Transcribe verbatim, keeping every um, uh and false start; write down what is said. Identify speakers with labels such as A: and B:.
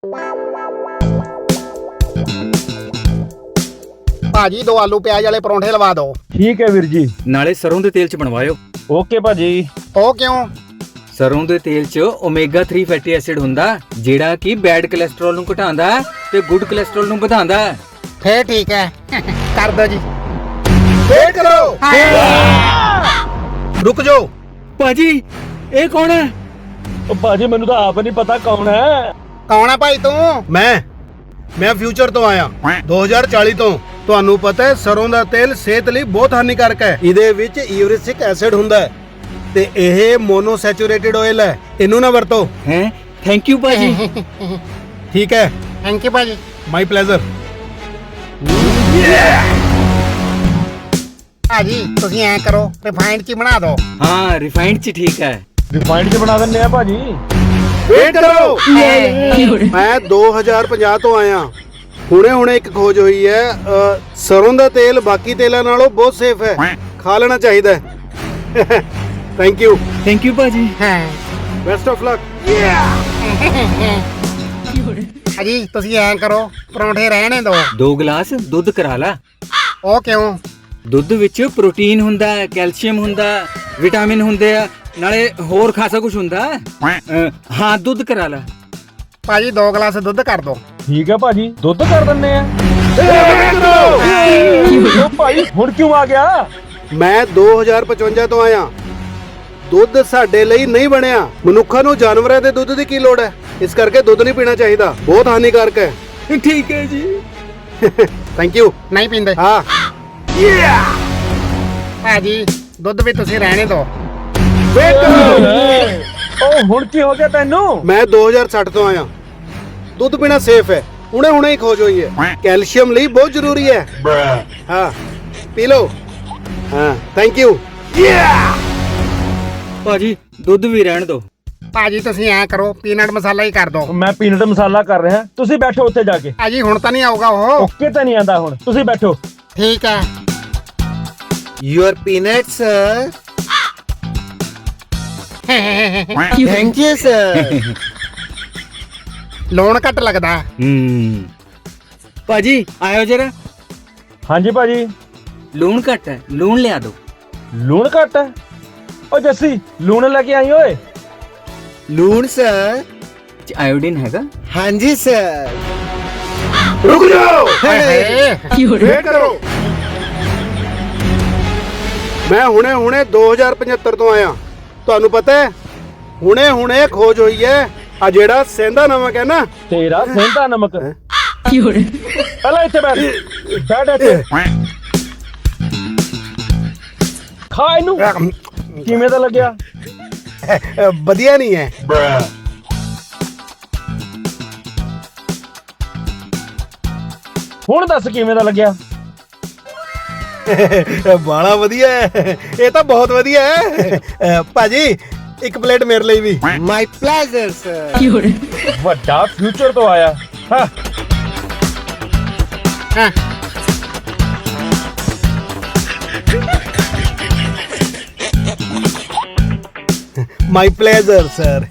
A: ਭਾਜੀ ਦੋ ਆਲੂ ਪਿਆਜ਼ ਵਾਲੇ ਪਰੌਂਠੇ ਲਵਾ ਦਿਓ।
B: ਠੀਕ ਹੈ ਵੀਰ ਜੀ।
C: ਨਾਲੇ ਸਰੋਂ ਦੇ ਤੇਲ 'ਚ ਬਣਵਾਇਓ।
B: ਓਕੇ ਭਾਜੀ।
A: ਉਹ ਕਿਉਂ?
C: ਸਰੋਂ ਦੇ ਤੇਲ 'ਚ ਓਮੇਗਾ ਥ੍ਰੀ ਫੈਟੀ ਐਸਿਡ ਹੁੰਦਾ ਜਿਹੜਾ ਕਿ ਬੈਡ ਕੋਲੇਸਟ੍ਰੋਲ ਨੂੰ ਘਟਾਉਂਦਾ ਤੇ ਗੁੱਡ ਕੋਲੇਸਟ੍ਰੋਲ ਨੂੰ ਵਧਾਉਂਦਾ।
A: ਫੇਰ ਠੀਕ ਹੈ, ਕਰ ਦਿਓ ਜੀ। ਵੇਟ ਕਰੋ। ਰੁਕ ਜਾਓ।
C: ਭਾਜੀ ਇਹ ਕੌਣ ਹੈ?
B: ਉਹ ਭਾਜੀ ਮੈਨੂੰ ਤਾਂ ਆਪ ਨਹੀਂ ਪਤਾ ਕੌਣ ਹੈ।
A: ਕੌਣ ਹੈ ਭਾਈ ਤੂੰ?
D: ਮੈਂ ਮੈਂ ਫਿਊਚਰ ਤੋਂ ਆਇਆ ਦੋ ਹਜ਼ਾਰ ਚਾਲੀ ਤੋਂ। ਤੁਹਾਨੂੰ ਪਤਾ ਹੈ ਸਰੋਂ ਦਾ ਤੇਲ ਸਿਹਤ ਲਈ ਬਹੁਤ ਹਾਨੀਕਾਰਕ ਹੈ। ਇਹਦੇ ਵਿੱਚ ਯੂਰਿਕ ਐਸਿਡ ਹੁੰਦਾ ਹੈ ਤੇ ਇਹ ਮੋਨੋਸੈਚੂਰੇਟਿਡ ਆਇਲ ਹੈ। ਇਹਨੂੰ ਨਾ ਵਰਤੋ।
C: ਹੈ ਥੈਂਕ ਯੂ ਭਾਜੀ।
D: ਠੀਕ ਹੈ,
A: ਥੈਂਕ ਯੂ ਭਾਜੀ।
D: My pleasure.
A: ਭਾਜੀ ਤੁਸੀਂ ਐਂ ਕਰੋ, ਰਿਫਾਈਨਡ ਚ ਹੀ ਬਣਾ ਦਿਓ।
C: ਹਾਂ ਰਿਫਾਈਨਡ 'ਚ ਠੀਕ ਹੈ।
B: ਰਿਫਾਈਨਡ ਚ ਬਣਾ ਦਿੰਦੇ ਆ ਭਾਜੀ।
D: ਵੇਟ ਕਰੋ। ਮੈਂ ਦੋ ਹਜ਼ਾਰ ਪੰਜਾਹ ਤੋਂ ਆਇਆ। ਹੁਣੇ ਹੁਣੇ ਇੱਕ ਖੋਜ ਹੋਈ ਹੈ, ਅ, ਸਰੋਂ ਦਾ ਤੇਲ ਬਾਕੀ ਤੇਲਾਂ ਨਾਲੋਂ ਬਹੁਤ ਸੇਫ ਹੈ। ਖਾ ਲੈਣਾ ਚਾਹੀਦਾ ਹੈ। Thank you.
C: ਥੈਂਕ ਯੂ ਭਾਜੀ।
A: ਹਾਂ
D: ਬੈਸਟ ਆਫ ਲੱਕ।
A: ਭਾਜੀ ਤੁਸੀਂ ਐਂ ਕਰੋ, ਪਰੌਂਠੇ ਰਹਿਣੇ ਦਿਓ।
C: ਦੋ ਗਲਾਸ ਦੁੱਧ ਕਰਾ ਲਾ।
A: ਉਹ ਕਿਉਂ?
C: ਦੁੱਧ ਵਿੱਚ ਪ੍ਰੋਟੀਨ ਹੁੰਦਾ, ਕੈਲਸ਼ੀਅਮ ਹੁੰਦਾ, ਵਿਟਾਮਿਨ ਹੁੰਦੇ ਆ, ਨਾਲੇ ਹੋਰ ਖਾਸਾ ਕੁਝ ਹੁੰਦਾ। ਅ, ਹਾਂ ਦੁੱਧ ਕਰਾ ਲਾ।
A: ਭਾਜੀ ਦੋ ਗਲਾਸ ਦੁੱਧ ਕਰ ਦਿਓ।
B: ਠੀਕ ਹੈ ਭਾਜੀ, ਦੁੱਧ ਕਰ ਦਿੰਦੇ ਆ। ਉਹ ਭਾਈ ਹੁਣ ਕਿਉਂ ਆ ਗਿਆ?
D: ਮੈਂ ਦੋ ਹਜ਼ਾਰ ਪਚਵੰਜਾ ਤੋਂ ਆਇਆ। ਦੁੱਧ ਸਾਡੇ ਲਈ ਨਹੀਂ ਬਣਿਆ। ਮਨੁੱਖਾਂ ਨੂੰ ਜਾਨਵਰਾਂ ਦੇ ਦੁੱਧ ਦੀ ਕੀ ਲੋੜ ਹੈ? ਇਸ ਕਰਕੇ ਦੁੱਧ ਨਹੀਂ ਪੀਣਾ ਚਾਹੀਦਾ, ਬਹੁਤ ਹਾਨੀਕਾਰਕ ਹੈ।
C: ਠੀਕ ਹੈ ਜੀ।
D: Thank you.
A: ਨਹੀਂ ਪੀਂਦੇ?
D: ਹਾਂ।
A: ਭਾਜੀ ਦੁੱਧ ਵੀ ਤੁਸੀਂ ਰਹਿਣੇ ਦਿਓ।
B: ਉਹ ਹੁਣ ਕੀ ਹੋ ਗਿਆ ਤੈਨੂੰ?
D: ਮੈਂ ਦੋ ਹਜ਼ਾਰ ਸੱਠ ਤੋਂ ਆਇਆ। ਦੁੱਧ ਪੀਣਾ ਸੇਫ ਹੈ। ਹੁਣੇ ਹੁਣੇ ਹੀ ਖੋਜ ਹੋਈ ਹੈ। ਕੈਲਸ਼ੀਅਮ ਲਈ ਬਹੁਤ ਜ਼ਰੂਰੀ ਹੈ। ਹਾਂ ਪੀ ਲਓ। ਹਾਂ ਥੈਂਕ ਯੂ।
C: ਭਾਜੀ ਦੁੱਧ ਵੀ ਰਹਿਣ ਦਿਓ।
A: ਭਾਜੀ ਤੁਸੀਂ ਐਂ ਕਰੋ, ਪੀਨਟ ਮਸਾਲਾ ਹੀ ਕਰ ਦਿਓ।
B: ਮੈਂ ਪੀਨਟ ਮਸਾਲਾ ਕਰ ਰਿਹਾ, ਤੁਸੀਂ ਬੈਠੋ ਉੱਥੇ ਜਾ ਕੇ।
A: ਭਾਜੀ ਹੁਣ ਤਾਂ ਨਹੀਂ ਆਊਗਾ ਉਹ।
B: ਓਕੇ ਤਾਂ ਨਹੀਂ ਆਂਦਾ ਹੁਣ, ਤੁਸੀਂ ਬੈਠੋ।
A: ਠੀਕ ਹੈ।
E: Your peanuts, sir. Thank you, sir.
A: ਲੂਣ ਘੱਟ ਲੱਗਦਾ।
C: ਹੂੰ ਭਾਜੀ ਆਇਓ ਜਰਾ।
B: ਹਾਂਜੀ ਭਾਜੀ।
C: ਲੂਣ ਘੱਟ ਹੈ, ਲੂਣ ਲਿਆ ਦਿਓ।
B: ਲੂਣ ਘੱਟ ਹੈ? ਓ ਜੱਸੀ ਲੂਣ ਲੈ ਕੇ ਆਈ ਓਏ।
E: Loon, sir.
C: ਆਇਓਡੀਨ ਹੈਗਾ?
E: ਹਾਂਜੀ, sir.
D: ਰੁਕ ਜਾਓ।
A: ਹਾਏ
D: ਵੇਟ ਕਰੋ। ਮੈਂ ਹੁਣੇ ਹੁਣੇ ਦੋ ਹਜ਼ਾਰ ਪਝੱਤਰ ਤੋਂ ਆਇਆ। ਤੁਹਾਨੂੰ ਪਤਾ ਹੈ ਹੁਣੇ ਹੁਣੇ ਖੋਜ ਹੋਈ ਹੈ, ਆ ਜਿਹੜਾ ਸੇਂਦਾ ਨਮਕ ਹੈ ਨਾ।
B: ਤੇਰਾ ਸੇਂਦਾ ਨਮਕ। ਪਹਿਲਾਂ ਇੱਥੇ ਬੈਠ ਬੈਠ ਇੱਥੇ। ਖਾ ਇਹਨੂੰ। ਕਿਵੇਂ ਦਾ ਲੱਗਿਆ?
D: ਵਧੀਆ ਨਹੀਂ ਹੈ।
B: ਹੁਣ ਦੱਸ ਕਿਵੇਂ ਦਾ ਲੱਗਿਆ?
D: ਬਾਲਾ ਵਧੀਆ ਹੈ। ਇਹ ਤਾਂ ਬਹੁਤ ਵਧੀਆ ਹੈ। ਅ, ਭਾਜੀ ਇੱਕ ਪਲੇਟ ਮੇਰੇ ਲਈ ਵੀ।
E: My pleasure, sir.
B: ਵੱਡਾ ਫਿਊਚਰ ਤੋਂ ਆਇਆ। ਹਾਂ
A: ਹਾਂ
D: ਮਾਈ ਪਲੇਜ਼ਰ ਸਰ।